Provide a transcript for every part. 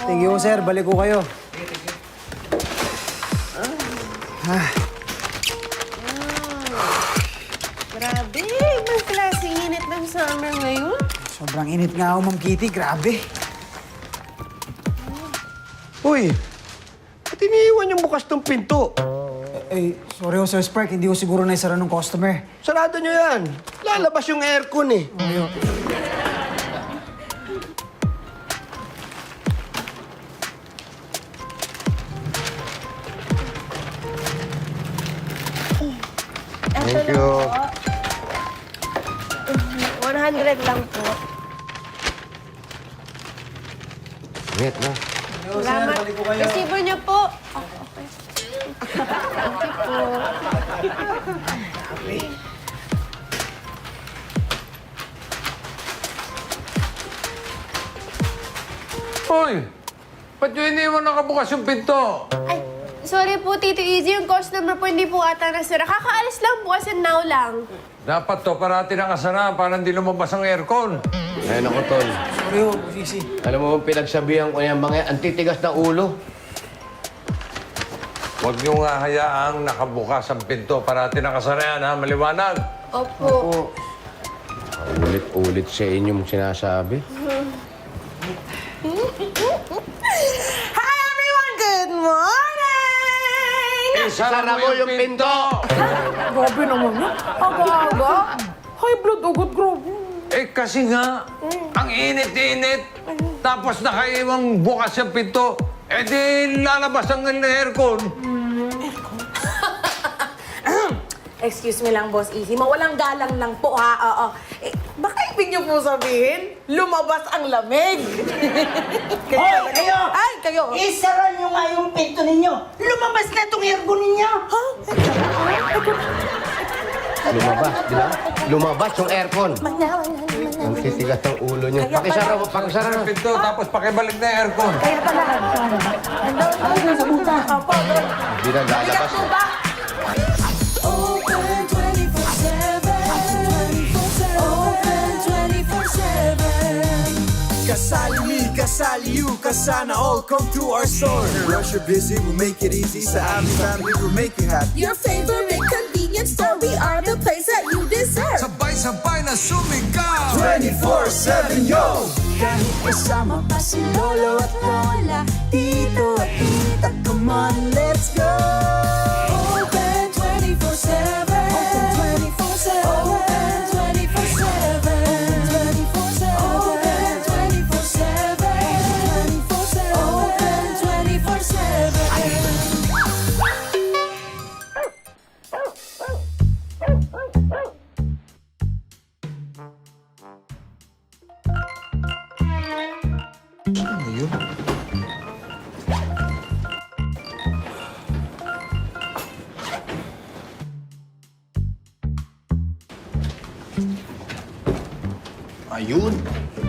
Thank you, sir. Balik ko kayo. Grabe, ibang klaseng init ng summer ngayon. Sobrang init nga ako, Ma'am Kitty. Grabe. Uy, ba't iniiwan yung bukas ng pinto? Sorry ho, Sir Spark. Hindi ko siguro naisara ng customer. Sarado nyo yan. Lalabas yung aircon eh. Thank you. 100 lang po. Wait na. Salamat. Resibo niyo po. Okay. Thank you po. Hoy! Ba't yung iniwan nakabukas yung pinto? Ay, sorry po, Tito Easy. Yung customer po hindi po ata nasira. Kakaalis lang po kasi now lang. Dapat to, parati nakasara para hindi lumabas ang aircon. Ayun ako, Tol. Sorry ho, Sisi. Alam mo, pinagsabihan ko yan, mga antitigas ng ulo. Huwag niyo nga hayaang nakabukas ang pinto. Parati nakasara yan, ha? Maliwanag. Opo. Ulit-ulit sa inyong sinasabi. Hi everyone! Good morning! Isara mo yung pinto! Grabe naman yun. Aga-aga. High blood agad, grabe. Kasi nga, ang init-init. Tapos nakaiwang bukas yung pinto. Di lalabas ang aircon. Excuse me lang, Boss Easy. Mawalang galang lang po, ha? Oo. Baka ibig niyo po sabihin, lumabas ang lamig. Hoy, kayo! Ay, kayo! Isara nyo nga yung pinto ninyo! Lumabas na itong aircon ninyo! Ha? Lumabas, di ba? Lumabas yung aircon. Ang titigas ng ulo nyo. Pakisara mo, pakisara Isara mo. ang pinto, tapos pakibalik na yung aircon. Kaya pala. Ay, nasa buta! Opo. Hindi na Bigat lalabas. po ba? Open 24/7. Open 24/7. Kasali me, kasali you, kasana all come to our store. Rush you're busy, we'll make it easy. Sa aming family, we'll make you happy. Your favorite convenience store. We are the place that you deserve. Sabay-sabay na sumigaw 24/7, yo! Kahit kasama pa si Lolo at Lola, Tito at Tita, come on, let's go. Open 24/7. Open 24/7. Open 24/7. 24/7. Open 24/7. 24/7. Open 24/7. Ayun!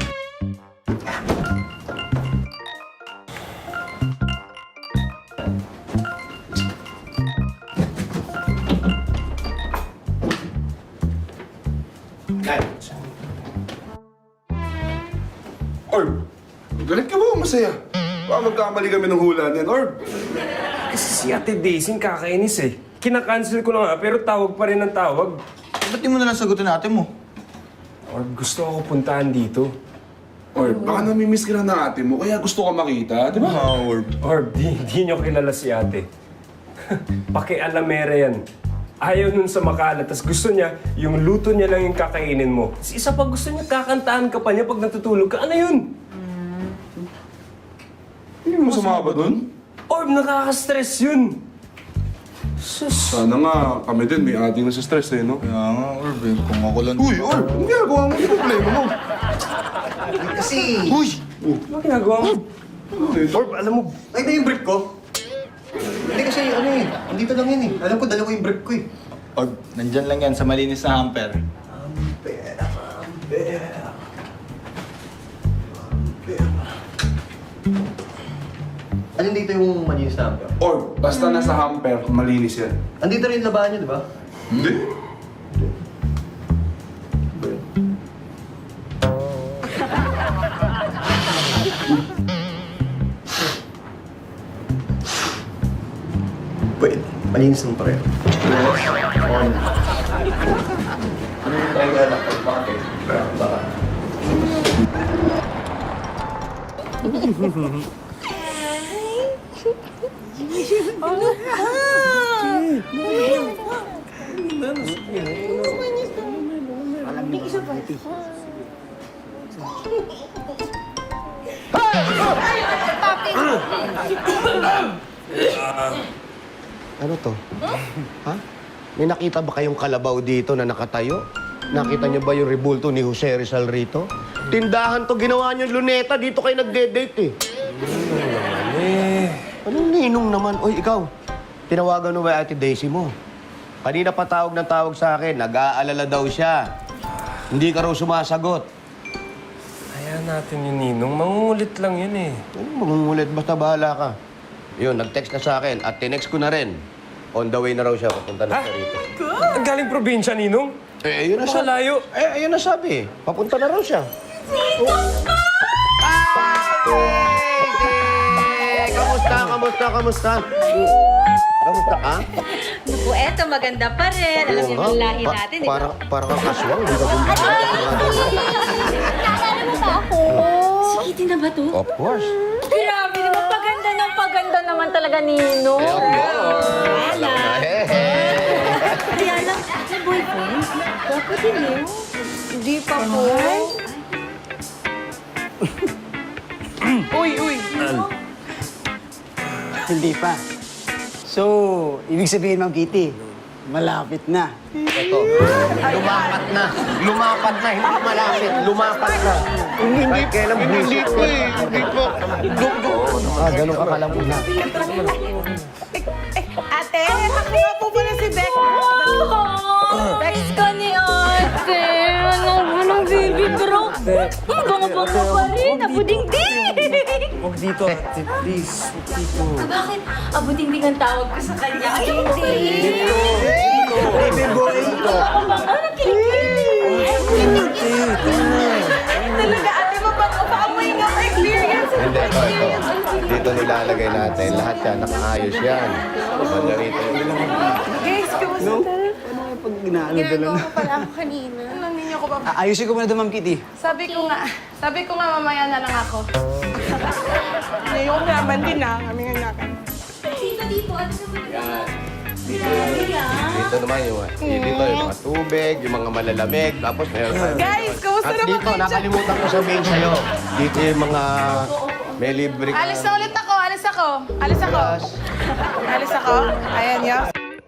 Orb, galit ka ba o masaya? Baka magkamali kami ng hula niyan, Orb. Kasi si Ate Daisy kakainis eh. Kinakancel ko na nga, pero tawag pa rin ang tawag. Ba't di mo nalang sagutin ate mo? Or gusto ako puntahan dito. Orb, baka namimiss ka na ng ate mo, kaya gusto ka makita, di ba? Orb. Or di nyo kilala si ate. Pakialamera yan. Ayaw nun sa makalat, tas gusto niya, yung luto niya lang yung kakainin mo. Tas isa pa gusto niya, kakantahan ka pa niya pag natutulog ka. Ano yun? Hindi mo masama ba dun? Or nakaka-stress yun. Sus. Sana nga, kami din, may ating nasa stress eh, no? Kaya nga, Orb, eh. Kung ako lang... Uy, Orb, ang ginagawa mo, yung problema mo. Kasi... Uy! Ano ginagawa mo? Or alam mo, Ay, na yung brief ko. Hindi kasi, ano eh, andito lang yun eh. Alam ko, dala ko yung brief ko eh. Orb, nandyan lang yan sa malinis na hamper. Alin dito yung malinis na hamper? Orb, basta nasa hamper, malinis yan. Andito rin yung labahan niyo, di ba? Hindi. Malinis ng pareho. On. Ano yung tayo anak ko? Bakit? Baka. Ano to? Ha? May nakita ba kayong kalabaw dito na nakatayo? Nakita niyo ba yung rebulto ni Jose Rizal rito? Tindahan to, ginawa niyo luneta. Dito kayo nagde-date eh. Anong ninong naman? Oy, ikaw. Tinawagan mo ba Ate Daisy mo? Kanina pa tawag ng tawag sa akin. Nag-aalala daw siya. Hindi ka raw sumasagot. Hayaan natin yung ninong. Mangungulit lang yun eh. Anong mangungulit? Basta bahala ka. Yun, nag-text na sa akin at tinext ko na rin. On the way na raw siya. Papunta na siya rito. Ang galing probinsya, ninong. Eh, ayun na Baka sabi. layo. Eh, ayun na sabi. Papunta na raw siya. Kamusta? Kamusta ka? Naku, eto, maganda pa rin. Alam niyo yung lahi natin, di ba? Para kang kaswang. Hindi ka bumili. Naalala mo ba ako? Si Kitty na ba to? Of course. Grabe naman, paganda naman talaga, Nino. Eh, of course. Wala. Kaya lang, may boyfriend? Gwapo din eh. Hindi pa po. Hindi pa. So, ibig sabihin, Ma'am Kitty, malapit na. Ito. Lumapat na. Lumapat na. Hindi malapit. Lumapat na. Hindi. Kailan hindi ko eh. Hindi ko. Ganun ka kalamuna. Ate, ako nga po pala si Beck. Bex ka ni ate. Anong baby bro? Bango-bango pa rin. Abuding-ding. Huwag dito, ate. Please. Huwag dito. Bakit? Abuding-ding ang tawag ko sa kanya. Ay, hindi. Baby boy! Bango-bango. Nakikilig. Talaga, ate, mapag-amoy nga ako experience. Hindi, ito. Dito nilalagay natin. Lahat yan. Nakaayos yan. Banda rito. Guys, kamusta? Pag ginaalala Ginagawa ko pala ako kanina. Anong ninyo ko ba? Ayusin ko muna doon, Ma'am Kitty. Sabi ko nga mamaya na lang ako. Ngayon naman din na, kami nga nakan. Dito. Ano naman? Dito naman yung mga tubig, yung mga malalamig. Tapos meron tayo. Guys, kamusta At naman dito, kayo dyan? nakalimutan ko sabihin sa'yo. Dito yung mga may libre ka. Alis na ulit ako, alis ako. Alis ako. Ayan yun.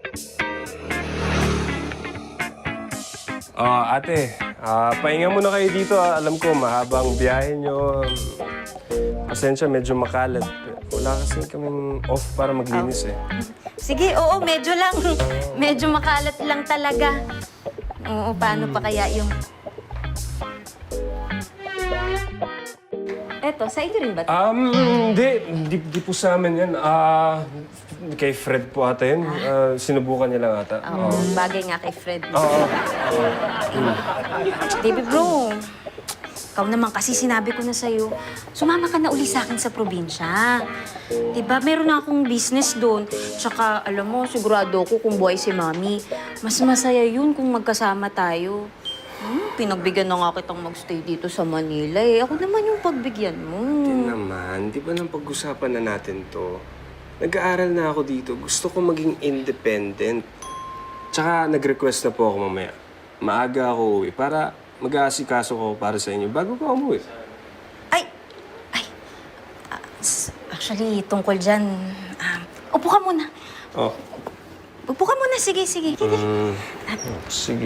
Ate, pahinga muna kayo dito. Alam ko, mahabang biyahe nyo. Pasensya, medyo makalat. Wala kasi kaming off para maglinis eh. Sige, oo, medyo lang. Medyo makalat lang talaga. Oo, paano pa kaya yung... Eto, sa inyo rin ba? Hindi po sa amin yan. Kay Fred po ata yun. Sinubukan niya lang ata. Oo, bagay nga kay Fred. Oo. Baby bro, ikaw naman kasi sinabi ko na sa'yo, sumama ka na uli sa akin sa probinsya. Diba, meron na akong business doon. Tsaka, alam mo, sigurado ako kung buhay si Mami. Mas masaya yun kung magkasama tayo. Pinagbigyan na nga kitang magstay dito sa Manila eh. Ako naman yung pagbigyan mo. Hindi naman. Di ba nang pag-usapan na natin to? Nag-aaral na ako dito. Gusto ko maging independent. Tsaka nag-request na po ako mamaya. Maaga ako uwi para mag-aasikaso ko para sa inyo bago ko umuwi. Actually, tungkol dyan, upo ka muna. Oh. Upo ka muna. Sige. Sige.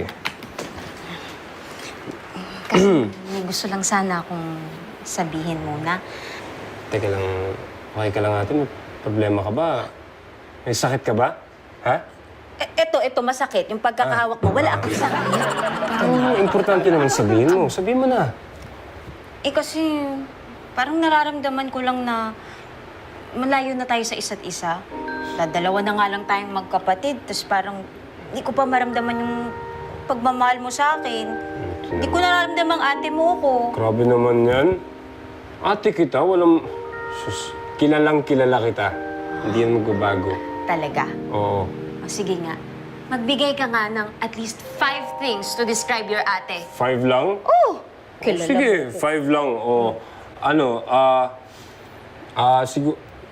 Kasi may gusto lang sana akong sabihin muna. Teka lang, okay ka lang ate? May problema ka ba? May sakit ka ba? Ha? Ito, masakit. Yung pagkakahawak mo, wala akong sakit. Importante naman sabihin mo. Sabihin mo na. Kasi parang nararamdaman ko lang na malayo na tayo sa isa't isa. Dalawa na nga lang tayong magkapatid, tapos parang hindi ko pa maramdaman yung pagmamahal mo sa akin. Hindi ko nararamdaman ate mo ko. Grabe naman yan. Ate kita, walang... Sus, kilalang kilala kita. Hindi yan magbabago. Talaga? Oo. O sige nga, magbigay ka nga ng at least 5 things to describe your ate. 5 lang? Oh! Kilala Sige, mo ko. 5 lang. O, ano, siguro,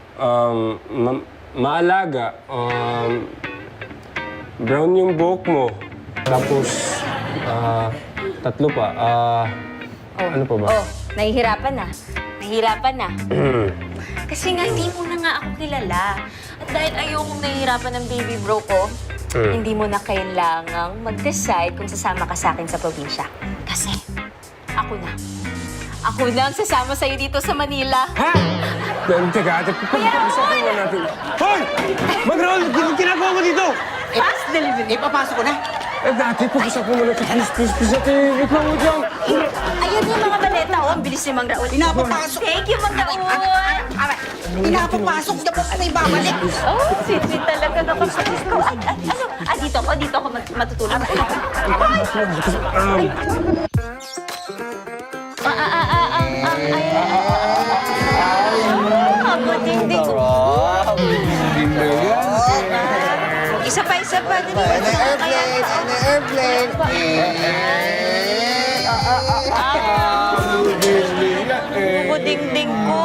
maalaga. Brown yung buhok mo. Tapos, 3 pa. Ano pa ba? Oh, nahihirapan na. Nahihirapan na. Kasi nga, hindi mo na nga ako kilala. At dahil ayokong nahihirapan ng baby bro ko, hindi mo na kailangang mag-decide kung sasama ka sa akin sa probinsya. Kasi, ako na. Ako na ang sasama sa'yo dito sa Manila. Ha? Teka, ate, pag-usapan mo natin. Hoy! Mag-roll! Ginagawa mo dito! Fast delivery. Ipapasok ko na. Dati, pag-usapan mo natin. Please, ate. Wait lang. Ayun yung mga maleta. Oh, ang bilis ni Mang Raul. Pinapapasok. Thank you, Mang Raul. Pinapapasok niya po na ibabalik. Oh, sweet talaga nakapagod ko. Dito ako matutulog. Ding-ding ko. Isa pa. Airplane! Ding-ding ko.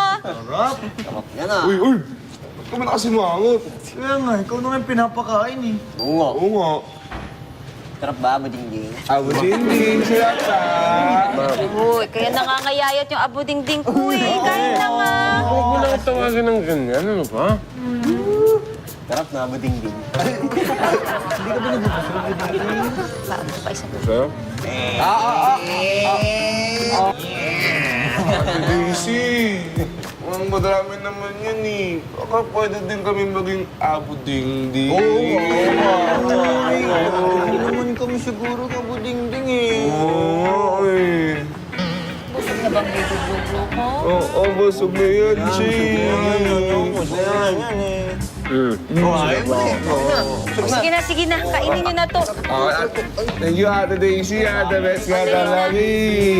Uy! Ba't ka man kasi mangot? Kaya nga, ikaw naman pinapakain eh. Oo nga. Sarap ba, Buding-ding? Abo ding siya sa... Uy, kaya nangangayayat yung abo ding-ding ko eh. Kain na nga. Huwag mo lang tawagan ng ganyan. Ano pa? Sarap na, Buding-ding. Paano pa isa? Sa'yo? Daisy! Ang madami naman yan eh. Baka pwede din kami maging abo ding-ding. Hindi naman kami siguro ka Buding-ding eh. Oo eh. Busog na bang baby bro ko? Oo, busog na yan, Chi. Sige na. Kainin nyo na to. Thank you, Ate Daisy. The best ka lagi.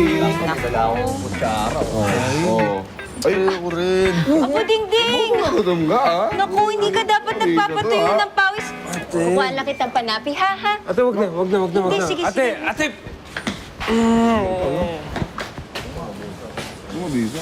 Ay, ako rin. Abo ding-ding! Gutom ka, ah? Naku, hindi ka dapat nagpapatuyo ng pawis. Kuha lang kitang panapi, ha? Ate, wag na. Hindi, sige. Ate! Ano dito?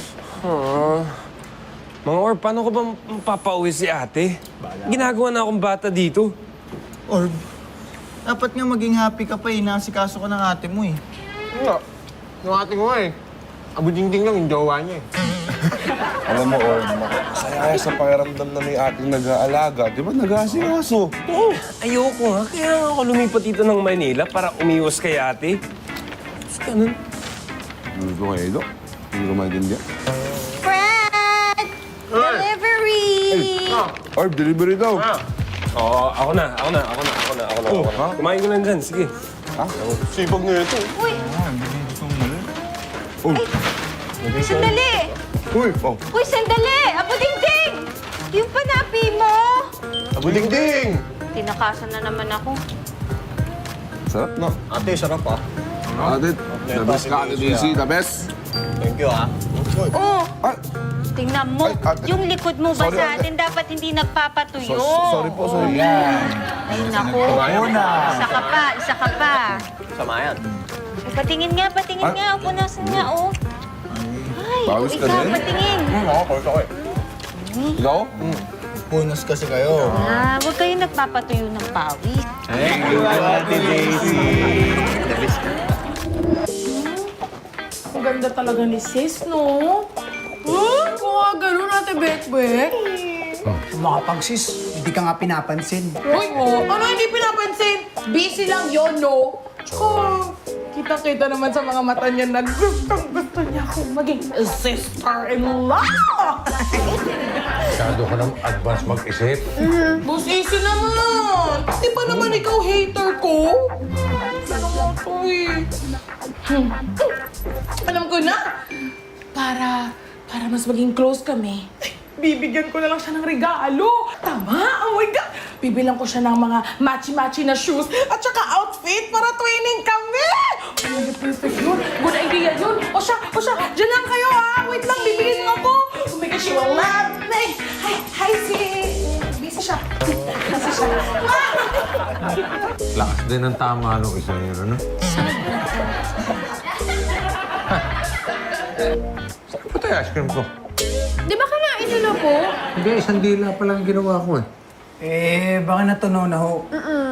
Mga Orb, paano ko ba mapapauwi si ate? Ginagawa na akong bata dito. Orb, dapat nga maging happy ka pa eh. Nasikaso ka ng ate mo eh. Nga. Yung ate ko nga eh. Abo ding-ding lang yung jowa niya eh. Alam mo, Orm, masaya sa pakiramdam na may ating nag-aalaga. Di ba nag-aasikaso? Oo, ayoko nga. Kaya nga ako lumipat dito ng Manila para umiwas kay ate. Tapos ganun. Ano ito kayo, Edo? Hindi ko maintindihan. Fred! Delivery! Orb, delivery daw. Oo, ako na. Oh, ha? Kumain ko lang dyan, sige. Ha? Sipag nga ito. Uy! Sandali! Uy, oh. Uy, sandali! Abo ding-ding! Yung panapi mo! Abo ding-ding! Tinakasan na naman ako. Sarap na. Ate, sarap ah. Ate, the best ka, Ate Daisy, the best. Thank you ah. Oh! Ay, Tingnan mo, Ay, ate. yung likod mo ba Sorry, sa ate. atin dapat hindi nagpapatuyo. sorry po, sorry. Ay, naku. Isa ka pa. Sama yan. Patingin nga. Upo nasan nga, oh. Ay, Pawis ka ikaw, din? patingin. Ako, pawis ako eh. Ikaw? Punos kasi kayo. Huwag kayo nagpapatuyo ng pawis. Thank you, Ate Daisy. The best ka. Ang ganda talaga ni sis, no? Kung ganun Ate Bekbek. Mga pagsis, hindi ka nga pinapansin. Uy, ano hindi pinapansin? Busy lang yon, no? Tsaka, kita-kita naman sa mga mata niya na gusto niya akong maging sister-in-law! Masyado ka ng advance mag-isip. Boss Easy naman! Di ba naman ikaw hater ko? Ano mo to eh? Alam ko na! Para mas maging close kami, bibigyan ko na lang siya ng regalo. Tama! Oh my God! Bibilang ko siya ng mga matchy-matchy na shoes at saka outfit para twinning kami! Oh, perfect yun! Good idea yun! O siya! Diyan lang kayo ha! Wait lang, bibigyan mo ako! Oh my God, she will love me! Hi, sis! Busy siya. Lakas din ang tama nung isa yun, ano? Saan po tayo ice cream ko? Di ba kanain nyo na po? Hindi, isang dila pa lang ginawa ko eh. Baka natunaw na ho.